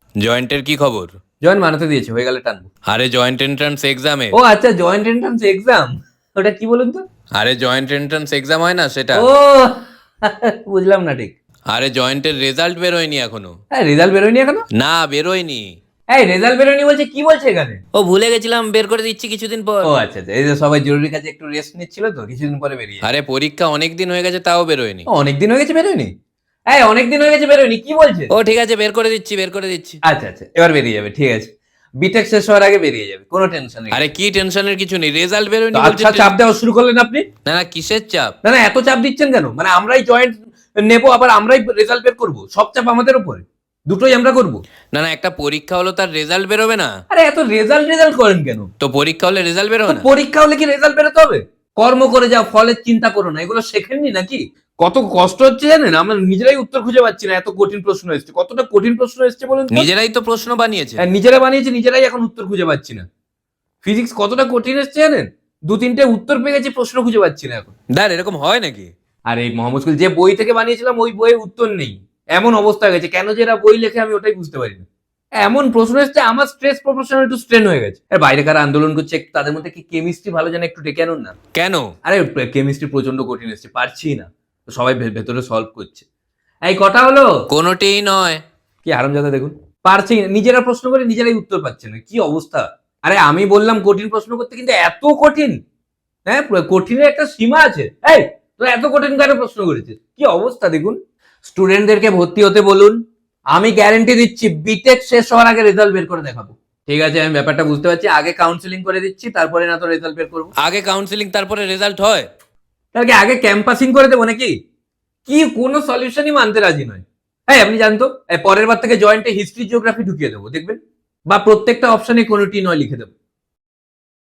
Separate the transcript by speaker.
Speaker 1: জয়েন্টের কি খবর?
Speaker 2: জয়েন্ট বানাতে দিয়েছে, হয়ে গেলে টানবো।
Speaker 1: আরে জয়েন্ট এন্ট্রান্স এক্সামে।
Speaker 2: ও আচ্ছা, জয়েন্ট এন্ট্রান্স এক্সাম, ওটা কি বলুন তো?
Speaker 1: আরে জয়েন্ট এন্ট্রান্স এক্সাম হয় না সেটা।
Speaker 2: ও বুঝলাম না ঠিক।
Speaker 1: আরে জয়েন্টের রেজাল্ট বেরোয়নি এখনো।
Speaker 2: হ্যাঁ, রেজাল্ট বেরোয়নি এখনো?
Speaker 1: না বেরোয়নি।
Speaker 2: এই রেজাল্ট বেরোয়নি বলছে, কি বলছে এখানে?
Speaker 1: ও ভুলে গেছিলাম, বের করে দিচ্ছি কিছুদিন পর।
Speaker 2: ও আচ্ছা আচ্ছা, এই যে সবাই জরুরি কাজে একটু রেস্ট নিচ্ছিল তো, কিছুদিন পরে বেরিয়ে যাবে।
Speaker 1: আরে পরীক্ষা অনেক দিন হয়ে গেছে তাও বেরোয়নি।
Speaker 2: অনেক দিন হয়ে গেছে বেরোয়নি? এই অনেক দিন হয়ে গেছে বেরোয়নি, কি বলছে?
Speaker 1: ও ঠিক আছে, বের করে দিচ্ছি বের করে দিচ্ছি।
Speaker 2: আচ্ছা আচ্ছা, এবার বেরিয়ে যাবে, ঠিক আছে। বিটেক শেষ হওয়ার আগে বেরিয়ে যাবে, কোনো টেনশন নেই।
Speaker 1: আরে কি টেনশনের কিছু নেই, রেজাল্ট বেরোয়নি বলছে।
Speaker 2: আচ্ছা, চাপ দেওয়া শুরু করলেন আপনি?
Speaker 1: না না, কিসের চাপ?
Speaker 2: না না, এত চাপ দিচ্ছেন কেন? মানে আমরাই জয়েন্ট নেবো, আবার আমরাই রেজাল্ট বের করবো, সব চাপ আমাদের উপরে, দুটোই আমরা করবো?
Speaker 1: না না, একটা পরীক্ষা হলো তার রেজাল্ট বেরোবে না?
Speaker 2: আরে এত রেজাল্ট রেজাল্ট করেন কেন?
Speaker 1: তো পরীক্ষা হলে রেজাল্ট বেরোবে না?
Speaker 2: পরীক্ষা হলে কি রেজাল্ট বেরোতে হবে? কর্ম করে যাও, ফলের চিন্তা করো না, এগুলো শেখেননি নাকি? কত কষ্ট হচ্ছে জানেন? আমরা নিজেরাই উত্তর খুঁজে পাচ্ছি না, এত কঠিন প্রশ্ন এসছে। কতটা কঠিন প্রশ্ন এসছে বলুন তো?
Speaker 1: নিজেরাই তো প্রশ্ন বানিয়েছে।
Speaker 2: হ্যাঁ, নিজেরা বানিয়েছি, নিজেরাই এখন উত্তর খুঁজে পাচ্ছি না। ফিজিক্স কতটা কঠিন এসছে জানেন? দু তিনটে উত্তর পেয়ে গেছি, প্রশ্ন খুঁজে পাচ্ছি না এখন।
Speaker 1: দাঁড়, এরকম হয় নাকি?
Speaker 2: আরে মোহাম্মদ স্কুল যে বই থেকে বানিয়েছিলাম, ওই বইয়ের উত্তর নেই, এমন অবস্থা হয়ে গেছে। কেন যে এরা বই লেখে আমি ওটাই বুঝতে পারি না। এমন প্রশ্ন এসছে, আমার স্ট্রেস প্রফেশনাল একটু স্ট্রেন হয়ে গেছে। আর বাইরে কারা আন্দোলন করছে, একটু তাদের মধ্যে কি কেমিস্ট্রি ভালো জানে, একটু ডেকে আনুন না।
Speaker 1: কেন?
Speaker 2: আরে কেমিস্ট্রি প্রচন্ড কঠিন এসছে, পারছি না। তো সবাই ভেতরে সলভ করছে। এই কটা হলো?
Speaker 1: কোনোটিই নয়।
Speaker 2: কি আরামজাদা দেখুন, পারছি না, নিজেরা প্রশ্ন করে নিজেরাই উত্তর পাচ্ছে না, কি অবস্থা। আরে আমি বললাম কঠিন প্রশ্ন করতে, কিন্তু এত কঠিন? হ্যাঁ, কঠিনের একটা সীমা আছে। এই তো এত কঠিন কেন প্রশ্ন করেছিস? কি অবস্থা দেখুন। স্টুডেন্টদেরকে ভর্তি হতে বলুন, আমি গ্যারেন্টি দিচ্ছি বিটেক শেষ হওয়ার আগে রেজাল্ট বের করে দেখাবো। ঠিক আছে, আমি ব্যাপারটা বুঝতে পারছি, আগে কাউন্সিলিং করে দিচ্ছি, তারপরে না তো রেজাল্ট বের করবো।
Speaker 1: আগে কাউন্সিলিং তারপরে রেজাল্ট হয়?
Speaker 2: তাহলে আগে ক্যাম্পাসিং করে দেবো নাকি? কি কোনো সলিউশনই মানতে রাজি নয়। হ্যাঁ, আপনি জানতো পরের বার থেকে জয়েন্টে হিস্ট্রি জিওগ্রাফি ঢুকিয়ে দেবো, দেখবেন। বা প্রত্যেকটা অপশনে কোনোটি নয় লিখে দেবো।